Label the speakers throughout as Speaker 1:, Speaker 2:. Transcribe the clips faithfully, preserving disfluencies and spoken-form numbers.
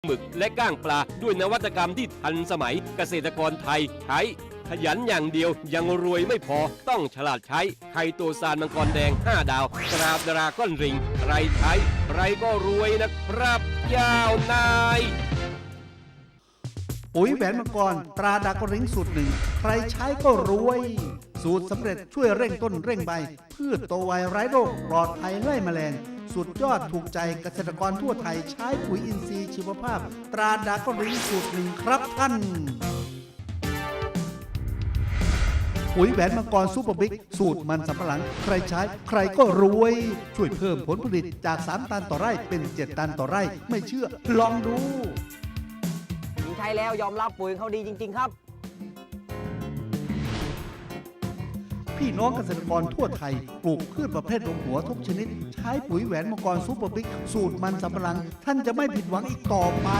Speaker 1: หมึกและก้างปลาด้วยนวัตกรรมที่ทันสมัยเกษตรกรไทยใช้ขยันอย่างเดียวยังรวยไม่พอต้องฉลาดใช้ไข่โตซานมังกรแดงห้าดาวตราดราก้อนริงใครใช้ใครก็รวยนะครับยาวนาย
Speaker 2: ปุ๋ยแหวนมังกรตราดากริ้งสูตรหนึ่งใครใช้ก็รวยสูตรสำเร็จช่วยเร่งต้นเร่งใบพืชโตไวไร้โรคปลอดภัยไล่แมลงสุดยอดถูกใจเกษตรกรทั่วไทยใช้ปุ๋ยอินทรีย์ชีวภาพตราดากริ้งสูตรหนึ่งครับท่านปุ๋ยแหวนมังกรซูเปอร์บิ๊กสูตรมันสำปะหลังใครใช้ใครก็รวยช่วยเพิ่มผลผลิตจากสามตันต่อไร่เป็นเจ็ดตันต่อไร่ไม่เชื่อลองดู
Speaker 3: ใช้แล้วยอมรับปุ๋ยเขาดีจริงๆครับ
Speaker 2: พี่น้องเกษตรกรทั่วไทยปลูกพืชประเภทรวมหัวทุกชนิดใช้ปุ๋ยแหวนมังกรซูเปอร์บิ๊กสูตรมันสำปะหลังท่านจะไม่ผิดหวังอีกต่อไป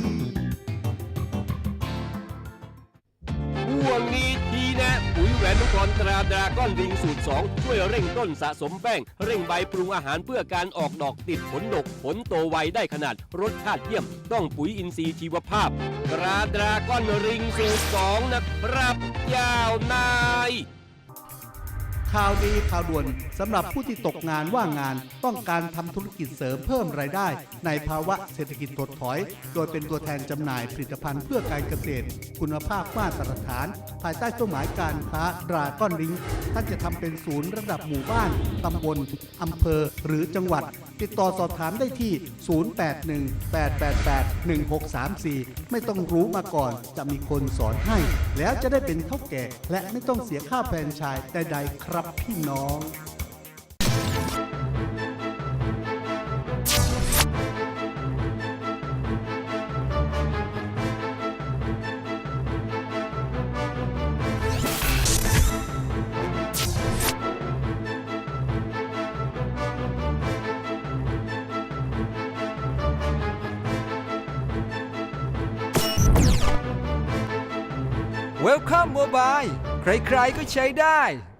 Speaker 1: ห่วงนี้ทีแนะปุ๋ยแหวนมังกรตราดราก้อนริงสูตรสองช่วยเร่งต้นสะสมแป้งเร่งใบปรุงอาหารเพื่อการออกดอกติดผลดกผลโตไวได้ขนาดรสชาติเยี่ยมต้องปุ๋ยอินทรีย์ชีวภาพตราดราก้อนริงสูตรสองนะครับยาวนาย
Speaker 2: ข่าวดีข่าวด่วนสำหรับผู้ที่ตกงานว่างงานต้องการทำธุรกิจเสริมเพิ่มรายได้ในภาวะเศรษฐกิจถดถอยโดยเป็นตัวแทนจำหน่ายผลิตภัณฑ์เพื่อการเกษตรคุณภาพมาตรฐานภายใต้เป้าหมายการค้าดราก้อนลิงท่านจะทำเป็นศูนย์ระดับหมู่บ้านตำบลอำเภอหรือจังหวัดติดต่อสอบถามได้ที่ ศูนย์ แปด หนึ่ง แปด แปด แปด หนึ่ง หก สาม สี่ ไม่ต้องรู้มาก่อนจะมีคนสอนให้แล้วจะได้เป็นเท่าแก่และไม่ต้องเสียค่าแฟรนไชส์ใดๆครับพี่น้อง
Speaker 4: Welcome Mobile ใครๆก็ใช้ได้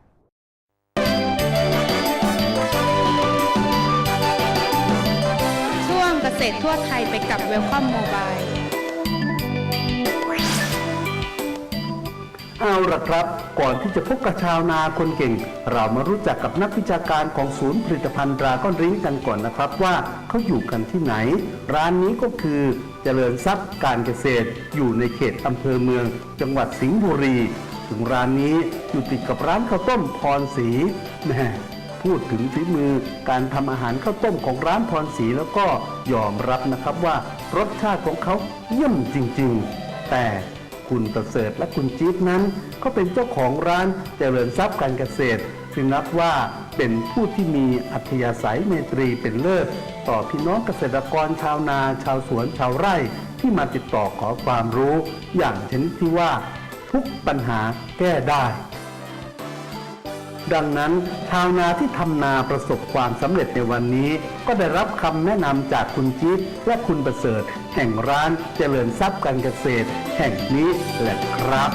Speaker 5: ช่วงเกษตรทั่วไทยไปกับ Welcome Mobile
Speaker 2: เอาละครับก่อนที่จะพบกับชาวนาคนเก่งเรามารู้จักกับนักวิชาการของศูนย์ผลิตภัณฑ์ดราก้อนริ้งกันก่อนนะครับว่าเขาอยู่กันที่ไหนร้านนี้ก็คือเจริญทรัพย์การเกษตรอยู่ในเขตอำเภอเมืองจังหวัดสิงห์บุรีถึงร้านนี้อยู่ติดกับร้านข้าวต้มพรศรีแม่พูดถึงฝีมือการทำอาหารข้าวต้มของร้านพรศรีแล้วก็ยอมรับนะครับว่ารสชาติของเขาเยี่ยมจริงๆแต่คุณประเสริฐและคุณจี๊ดนั้นก็เป็นเจ้าของร้านเจริญทรัพย์การเกษตรซึ่งนับว่าเป็นผู้ที่มีอัธยาศัยเมตรีเป็นเลิศต่อพี่น้องเกษตรกรชาวนาชาวสวนชาวไร่ที่มาติดต่อขอความรู้อย่างชนิดที่ว่าทุกปัญหาแก้ได้ดังนั้นชาวนาที่ทำนาประสบความสำเร็จในวันนี้ก็ได้รับคำแนะนำจากคุณจี๊ดและคุณประเสริฐแห่งร้านเจริญทรัพย์การเกษตรแห่งนี้แหละครับ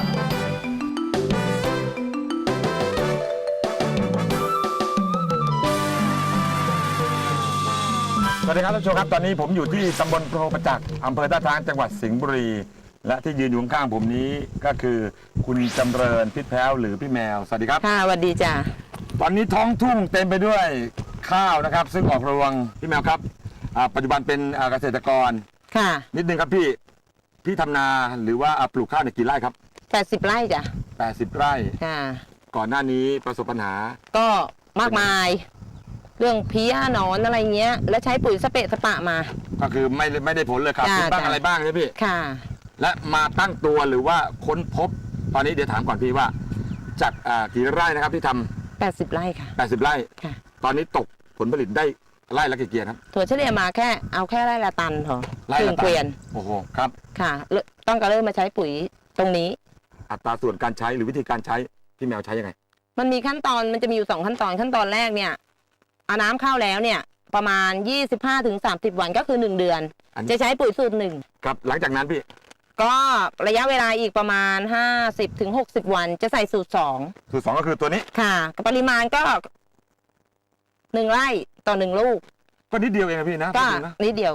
Speaker 6: สวัสดีครับท่านผู้ชมครับตอนนี้ผมอยู่ที่ตำบลโพประจักษ์อำเภอท่าช้างจังหวัดสิงห์บุรีและที่ยืนอยู่ข้างผมนี้ก็คือคุณจำเริญพิษแพ้วหรือพี่แมวสวัสดีครับ
Speaker 5: ค่ะสวัสดีจ้ะ
Speaker 6: ตอนนี้ท้องทุ่งเต็มไปด้วยข้าวนะครับซึ่งออกรวงพี่แมวครับปัจจุบันเป็นเกษตรกร
Speaker 5: ค่ะ
Speaker 6: นิดนึงครับพี่พี่ทำนาหรือว่าปลูกข้าวในกี่ไร่ครับ
Speaker 5: แปดสิบไร่จ้ะ
Speaker 6: แปดสิบไร่
Speaker 5: ค่ะ
Speaker 6: ก่อนหน้านี้ประสบปัญหา
Speaker 5: ก็มากมายเรื่องเพี้ยหนอนอะไรเงี้ยแล้วใช้ปุ๋ยสเปะสปะมา
Speaker 6: ก็คือไม่ไม่ได้ผลเลยครับคุณบ้างอะไรบ้างใช่พี่
Speaker 5: ค่ะ
Speaker 6: และมาตั้งตัวหรือว่าค้นพบตอนนี้เดี๋ยวถามก่อนพี่ว่าจากกี่ไร่นะครับที่ทำ
Speaker 5: แปดสิบไร่ค่ะ
Speaker 6: แปดสิบไร่
Speaker 5: ค่ะ
Speaker 6: ตอนนี้ตกผลผลิตได้ไร่ละกี่เกียร์ครับ
Speaker 5: ถั่วเฉลี่ยมาแค่เอาแค่ไร่ละตันพอครึ่งเกวียน
Speaker 6: โอ้โหครับ
Speaker 5: ค่ะต้องการเริ่มมาใช้ปุ๋ยตรงนี้
Speaker 6: อัตราส่วนการใช้หรือวิธีการใช้พี่แมวใช้ยังไง
Speaker 5: มันมีขั้นตอนมันจะมีอยู่สองขั้นตอนขั้นตอนแรกเนี่ยเอาน้ำเข้าแล้วเนี่ยประมาณ ยี่สิบห้าถึงสามสิบ วันก็คือหนึ่งเดือนจะใช้ปุ๋ยสูตรหนึ่ง
Speaker 6: ครับหลังจากนั้นพี่
Speaker 5: ก็ระยะเวลาอีกประมาณ ห้าสิบถึงหกสิบ วันจะใส่สูตรสอง
Speaker 6: สูตรสองก็คือตัวนี้
Speaker 5: ค่ะปริมาณก็หนึ่งไร่ต่อหนึ่งลูก
Speaker 6: ก็นิดเดียวเองนะพี่นะ
Speaker 5: ก็นิดเดียวค่ะ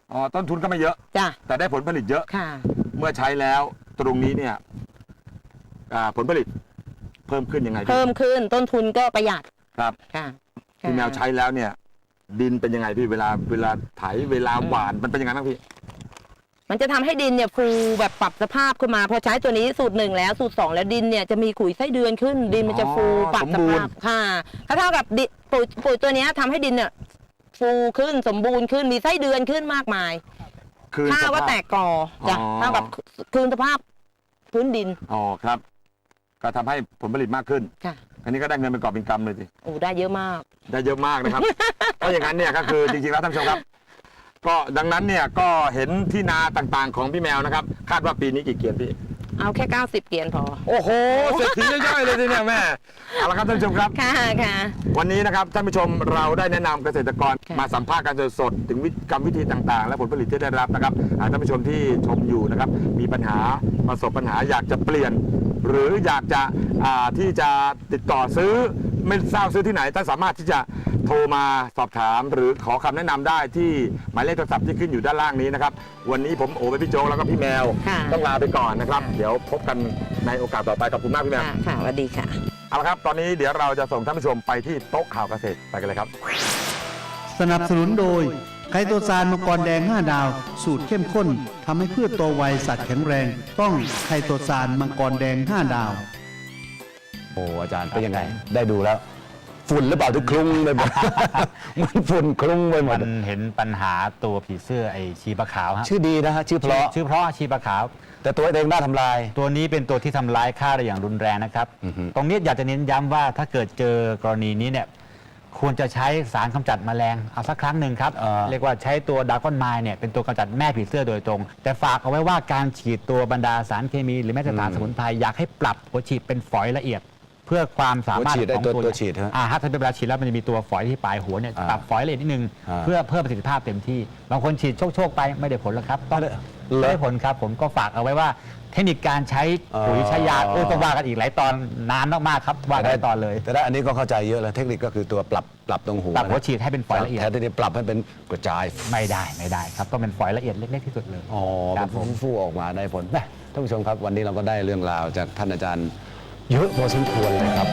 Speaker 6: อ๋อต้นทุนก็ไม่เยอะ
Speaker 5: จ้ะ
Speaker 6: แต่ได้ผลผลิตเยอะ
Speaker 5: ค่ะ
Speaker 6: เมื่อใช้แล้วตรงนี้เนี่ยอ่าผลผลิตเพิ่มขึ้นยังไงพี่
Speaker 5: เพิ่มขึ้นต้นทุนก็ประหยัด
Speaker 6: ครับ
Speaker 5: ค่ะ
Speaker 6: พี่แมวใช้แล้วเนี่ย ดินเป็นยังไงพี่เวลาเวลาไถเวลาหว่านมันเป็นยังไงบ้างพี่
Speaker 5: มันจะทำให้ดินเนี่ยฟูแบบปรับสภาพขึ้นมาพอใช้ตัวนี้สูตรหนึ่งแล้วสูตรสองแล้วดินเนี่ยจะมีขุยไส้เดือนขึ้น ดินมันจะฟู
Speaker 6: อ๋อ
Speaker 5: ปรับ
Speaker 6: ส
Speaker 5: ส
Speaker 6: มบูร
Speaker 5: ภา
Speaker 6: ณ์
Speaker 5: พค่ะถ้าเท่ากับดิปุ๋ยปุ๋ยตัวเนี้ยทำให้ดินเนี่ยฟูขึ้นสมบูรณ์ขึ้นมีไส้เดือนขึ้นมากมาย
Speaker 6: คือ
Speaker 5: ถ้า
Speaker 6: สภ
Speaker 5: ว่าแตกกอจ้ะ
Speaker 6: อ๋อ
Speaker 5: เท่ากับคืนสภาพพื้นดิน
Speaker 6: อ๋อครับ ก็ทำให้ผลผลิตมากขึ้น
Speaker 5: ค่ะ
Speaker 6: อันนี้ก็ได้เงินเป็นกอบเป็นกำเลยสิ
Speaker 5: โอ้ได้เยอะมาก
Speaker 6: ได้เยอะมากนะครับ เพราะอย่างนั้นเนี่ยก็คือจริงๆแล้วท่านผู้ชมครับ ก็ดังนั้นเนี่ยก็เห็นที่นาต่างๆของพี่แมวนะครับ คาดว่าปีนี้กี่เกียนพี่
Speaker 5: เอาแค่เก้าสิบเกียนพอ
Speaker 6: โอ้โหเศรษฐีย่อยๆเลยทีเนี่ยแม่เอาละครับท่านผู้ชมครับ
Speaker 5: ค่ะค่ะ
Speaker 6: วันนี้นะครับท่านผู้ชมเราได้แนะนำเกษตรกร
Speaker 5: ค่ะ
Speaker 6: มาสัมภาษณ์กันสดๆถึงวิธีกรรมวิธีต่างๆ และผลผลิตที่ได้รับนะครับอ่าท่านผู้ชมที่ชมอยู่นะครับมีปัญหาประสบปัญหาอยากจะเปลี่ยน หรืออยากจะอ่าที่จะติดต่อซื้อไม่ทราบซื้อที่ไหนท่านสามารถที่จะโทรมาสอบถาม หรือขอคำแนะนำได้ที่หมายเลขโทรศัพท์ที่ขึ้นอยู่ด้านล่างนี้นะครับวันนี้ผมโอไปพี่โจกแล้วก็พี่แมว
Speaker 5: ค่ะ
Speaker 6: ต้องลาไปก่อนนะครับเดี๋ยวพบกันในโอกาสต่อไปขอบคุณมากพี่แมว
Speaker 5: ค่ะค่ะสวัสดีค่ะ
Speaker 6: เอาละครับ ตอนนี้เดี๋ยวเราจะส่งท่านผู้ชมไปที่โต๊ะข่าวเกษตรไปกันเลยครับ
Speaker 2: สนับสนุนโดยไคโตซานมังกรแดงห้าดาว สูตรเข้มข้นทำให้พืชโตไวสัตว์แข็งแรง ต้องไคโตซานมังกรแดงห้าดาว
Speaker 7: โอ้อาจารย์เป็นยังไง ได้ดูแล้ว ฝุ่นหรือเปล่าที่คลุ้งไปหมด มันฝุ่นคลุ้งไปหม
Speaker 8: มั
Speaker 7: ด
Speaker 8: นเห็นปัญหาตัวผีเสื้อไอชีปะขาวฮะ
Speaker 7: ชื่อดีนะฮะ ชื่อเพราะ
Speaker 8: ชื่อเพราะชีปะขาว
Speaker 7: แต่ตัวเองน่าทำลาย
Speaker 8: ตัวนี้เป็นตัวที่ทำร้ายข้าวได้อย่างรุนแรงนะครับ
Speaker 7: อือฮึ
Speaker 8: ตรงนี้อยากจะเน้นย้ำว่าถ้าเกิดเจอกรณีนี้เนี่ยควรจะใช้สารกำจัดแมลงเอาสักครั้งหนึ่งครับ เรียกว่าใช้ตัวดากอนไมล์เนี่ยเป็นตัวกำจัดแม่ผีเสื้อโดยตรง แต่ฝากเอาไว้ว่าการฉีดตัวบรรดาสารเคมี หรือแม้แต่สารสมุนไพรอยากให้ปรับหัวฉีดเป็นฝอยละเอียด เพื่อความสามารถ
Speaker 7: หัวฉีดได้
Speaker 8: ของ
Speaker 7: ตัว
Speaker 8: ตัว
Speaker 7: ตัวฉีดฮะ
Speaker 8: อ่าถ้าเป็นเวลาฉีดแล้วมันจะมีตัวฝอยที่ปลายหัวเนี่ย
Speaker 7: อ่า
Speaker 8: ปรับฝอยละเอียดนิดนึง
Speaker 7: อ่า
Speaker 8: เพื่อเพิ่มประสิทธิภาพเต็มที่บางคนฉีดโชคๆไปไม่ได้ผลแล้วครับต้อง
Speaker 7: เหรอ
Speaker 8: ไม่ได้ผลครับ ผมก็ฝากเอาไว้ว่าเทคนิคการใช้ปุ๋ย
Speaker 7: อ๋อ
Speaker 8: ใช้ยาโอ้ต้องว่ากันอีกหลายตอนนานมากๆครับว่ากันหลายตอนเลย
Speaker 7: แต่ได้อันนี้ก็เข้าใจเยอะแล้วเทคนิคก็คือตัวปรับปรับตรงหัว
Speaker 8: ปรับหัวฉีดให้เป็นฝอยละเอียด
Speaker 7: แทนที่จะปรับให้เป็นกระจาย
Speaker 8: ไม่ได้ไม่ได้ครับต้องเป็นฝอยละเอียดเล็กๆที่สุดเลย
Speaker 7: อ๋อ
Speaker 8: ครั
Speaker 7: เป็
Speaker 8: บ
Speaker 7: น
Speaker 8: ผม
Speaker 7: ฟู่ๆออกมาได้ผลแม่ท่านผู้ชมครับ วันนี้เราก็ได้เรื่องราวจากท่านอาจารย์ เยอะพอสมควรเลยครับ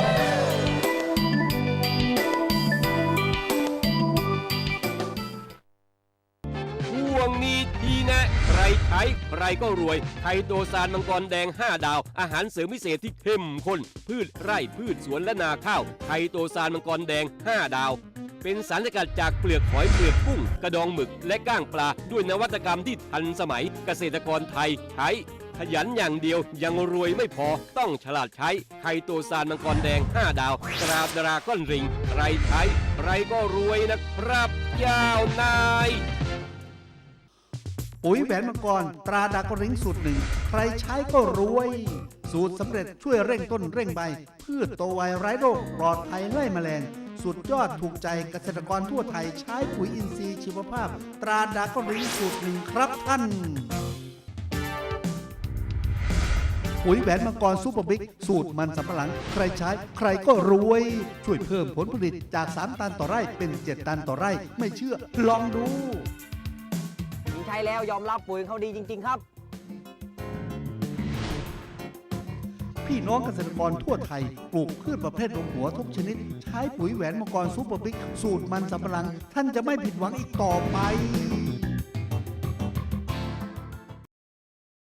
Speaker 1: ช่วงนี้ทีแนะใครใช้ใครก็รวยไคโตซานมังกรแดงห้าดาว อาหารเสริมพิเศษที่เข้มข้น พืชไร่พืชสวนและนาข้าวไคโตซานมังกรแดงห้าดาว เป็นสารสกัดจากเปลือกหอยเปลือกกุ้ง กระดองหมึกและก้างปลา ด้วยนวัตกรรมที่ทันสมัยเกษตรกรไทยใช้ขยันอย่างเดียวยังรวยไม่พอต้องฉลาดใช้ไคโตซานมังกรแดงห้าดาวตราดราก้อนริงใครใช้ใครก็รวยนะครับยาวนาย
Speaker 2: ปุ๋ยแหวนมังกรตราดากริงสูตรหนึ่งใครใช้ก็รวย สูตรสำเร็จช่วยเร่งต้นเร่งใบ พืชโตไวไร้โรคปลอดภัยไล่แมลง สุดยอดถูกใจเกษตรกรทั่วไทยใช้ปุ๋ยอินทรีย์ชีวภาพ ตราดากริงสูตรหนึ่งครับท่าน ปุ๋ยแหวนมังกรซูเปอร์บิ๊กสูตรมันสำปะหลัง ใครใช้ใครก็รวย ช่วยเพิ่มผลผลิตจากสามตันต่อไร่เป็นเจ็ดตันต่อไร่ ไม่เชื่อลองดู
Speaker 3: ผมใช้แล้วยอมรับปุ๋ยเขาดีจริง ๆ ครับ
Speaker 2: พี่น้องเกษตรกรทั่วไทย ปลูกพืชประเภทลงหัวทุกชนิด ใช้ปุ๋ยแหวนมังกรซูเปอร์บิ๊กสูตรมันสำปะหลัง ท่านจะไม่ผิดหวังอีกต่อไป